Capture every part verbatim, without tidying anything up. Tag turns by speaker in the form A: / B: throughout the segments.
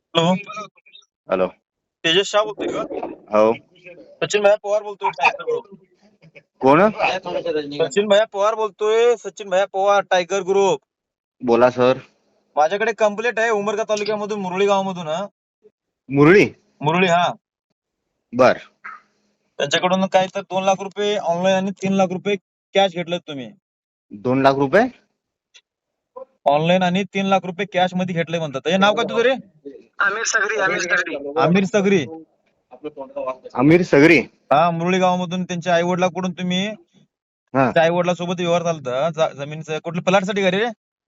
A: Hello.
B: Hello.
A: Tejas Shah बोलतोय का?
B: हो.
A: सचिन भैया पवार बोलतोय टायगर ग्रुप.
B: कोण?
A: सचिन भैया पवार बोलतोय. सचिन भैया पवार टायगर ग्रुप.
B: बोला सर.
A: माझ्याकडे कंप्लेंट आहे उमरगा तालुक्यामधून मुरळी गावामधून. हा
B: मुरळी.
A: मुरळी हा
B: बर.
A: त्यांच्याकडून काय तर दोन लाख रुपये ऑनलाईन आणि तीन लाख रुपये कॅश घेतलेत तुम्ही.
B: दोन लाख रुपये
A: ऑनलाईन आणि तीन लाख रुपये कॅश मध्ये घेतले म्हणतात. हे नाव काय तुझं रे?
C: आमिर सगरी आमिर सगरी
A: आमिर सगरी.
B: आमिर सगरी.
A: हा मुरळी गावामधून त्यांच्या आई वडिलांकडून तुम्ही
B: हा
A: आई वडिलांसोबत व्यवहार झालता जमिनीचं कुठल्या प्लॅटसाठी का रे?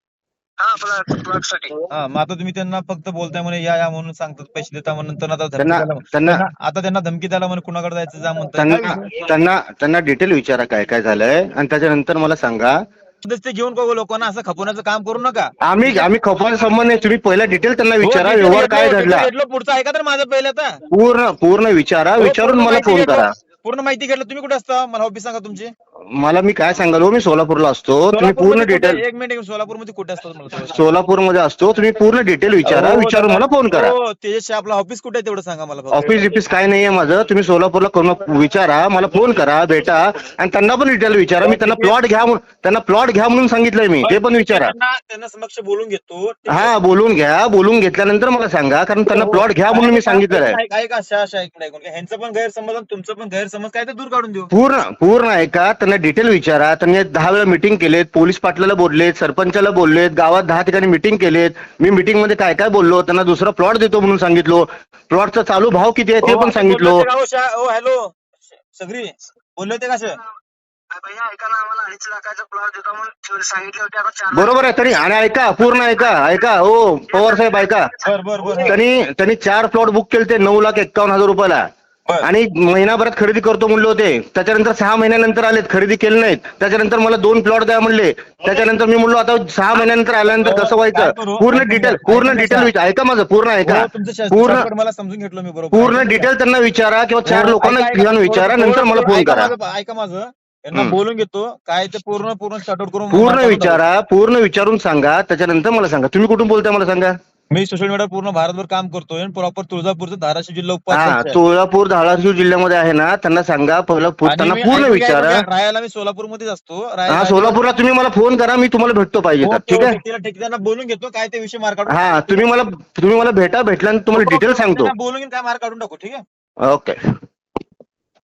C: हा प्लॉट प्लॉट साठी.
A: हा मग आता तुम्ही त्यांना फक्त बोलताय म्हणे या या म्हणून सांगतात पैसे देता म्हणून नंतर आता धमकी
B: त्यांना
A: द्यायला
B: त्यांना
A: त्यांना आता त्यांना धमकी द्यायला म्हणे कुणाकडे जायचं जा म्हणताय. काय
B: त्यांना
A: विषय?
B: त्यांना त्यांना डिटेल विचारा काय काय झालंय आणि त्याच्यानंतर मला सांगा.
A: ते घेऊन बघू लोकांना असं खपवण्याचं काम करू नका.
B: आम्ही आम्ही खपवायचा संबंध नाही. तुम्ही पहिला डिटेल त्यांना
A: हो,
B: विचारा
A: detail
B: व्यवहार
A: घेतलो,
B: काय
A: detail
B: घडला
A: घेतलो. पुढचं ऐका तर माझं पहिलं आता.
B: पूर्ण पूर्ण विचारा.
A: हो,
B: विचारून
A: पूर्ण
B: मला
A: माहिती
B: फोन
A: घेतलो.
B: करा.
A: पूर्ण माहिती घेतलं. तुम्ही कुठे असता मला ऑफिस सांगा तुमची.
B: मला मी काय सांगाल हो, मी सोलापूरला असतो. तुम्ही पूर्ण
A: सोलापूरमध्ये कुठे?
B: डिटेल
A: एक मिनिट सोलापूरमध्ये कुठे असतात मला थोडं सांगा.
B: सोलापूरमध्ये असतो. तुम्ही पूर्ण डिटेल विचारा.
A: हो,
B: विचारून
A: दादा.
B: मला फोन करा.
A: हो, तेजस आपलं ऑफिस कुठे आहे तेवढं सांगा मला फक्त.
B: ऑफिस बिफिस काय नाहीये माझं. तुम्ही सोलापूरला करून विचारा. मला फोन करा. भेटा आणि त्यांना पण डिटेल विचारा. मी त्यांना प्लॉट घ्या म्हणून त्यांना प्लॉट घ्या म्हणून सांगितलंय मी. ते पण विचारा.
A: त्यांना त्यांना समक्ष बोलून घेतो. ठीक आहे?
B: हा बोलून घ्या. बोलून घेतल्यानंतर मला सांगा. कारण त्यांना प्लॉट घ्या म्हणून मी सांगितलेलं आहे.
A: ऐका ऐका अशा अशा ऐकून ऐकून ह्यांचं पण गैरसमज आणि तुमचं पण गैरसमज काय ते दूर काढून देऊ.
B: पूर्ण पूर्ण ऐका. त्यांना डिटेल विचारा. त्यांनी दहा वेळा मिटिंग केलेत. पोलीस पाटलाला बोललेत. सरपंचाला बोललेत. गावात दहा ठिकाणी मिटिंग केलेत. मी मिटिंग मध्ये काय काय बोललो. त्यांना दुसरा प्लॉट देतो म्हणून सांगितलो. प्लॉटचा चालू भाव किती आहे ते पण सांगितलो.
A: हॅलो सगरी बोलले होते का सर?
C: भैया ऐका ना, आम्हाला अडीच लाखाचा प्लॉट देतो म्हणून सांगितले होते. आता चार
B: बरोबर आहे. तरी आणि ऐका पूर्ण ऐका ऐका हो पवार साहेब ऐका.
A: बर बर बर
B: त्यांनी त्यांनी चार प्लॉट बुक केले ते नऊ लाख एक्कावन्न हजार रुपयाला.
A: बर.
B: आणि महिनाभरात खरेदी करतो म्हणले होते. त्याच्यानंतर सहा महिन्यानंतर आलेत. खरेदी केले नाहीत. त्याच्यानंतर मला दोन प्लॉट द्या म्हणले. त्याच्यानंतर मी म्हणलो आता सहा महिन्यानंतर आल्यानंतर कसं व्हायचं. पूर्ण डिटेल पूर्ण डिटेल विचार ऐका माझं पूर्ण ऐका.
A: हो, तुमचं
B: पूर्ण
A: शास्त्र मला समजून घेतलं मी बरोबर.
B: पूर्ण डिटेल त्यांना विचारा किंवा चार
A: हो,
B: लोकांना
A: ऐका, ऐका.
B: घेऊन विचारा.
A: थोडं-
B: नंतर मला
A: थोडं-
B: फोन
A: ऐका
B: करा.
A: माझं- ऐका माझं यांना
B: हम्म.
A: बोलून घेतो. काय ते पूर्ण पूर्ण शॉर्टआउट करून
B: पूर्ण
A: मार्कावरून
B: विचारा. पूर्ण विचारून सांगा. त्याच्यानंतर मला सांगा. तुम्ही कुठून बोलताय मला सांगा.
A: टाकू. मी सोशल मीडिया पूर्ण भारतभर काम करतोय. प्रॉपर तुळजापूरचं धाराशिव जिल्हा
B: हा
A: उपाध्यक्ष आहे.
B: सोलापूर धाराशिव जिल्ह्यामध्ये आहे ना. त्यांना सांगा पहिलं पु-
A: आणि
B: त्यांना
A: मी-
B: पूर्ण
A: ऐकून घ्या,
B: विचारा.
A: ऐकून घ्या. राहायला मी सोलापूरमध्येच असतो.
B: हा
A: राहायला-
B: सोलापूरला तुम्ही मला फोन करा. मी तुम्हाला भेटतो पाहिजे तर. ठीक आहे.
A: तिला ठीक त्यांना बोलून घेतो. काय ते विषय मार्क काढून
B: हा तुम्ही मला तुम्ही मला भेटा. भेटल्यानंतर तुम्हाला डिटेल सांगतो.
A: त्यांना बोलून घेऊन काय मार्क काढून टाकू. ठीक आहे.
B: ओके.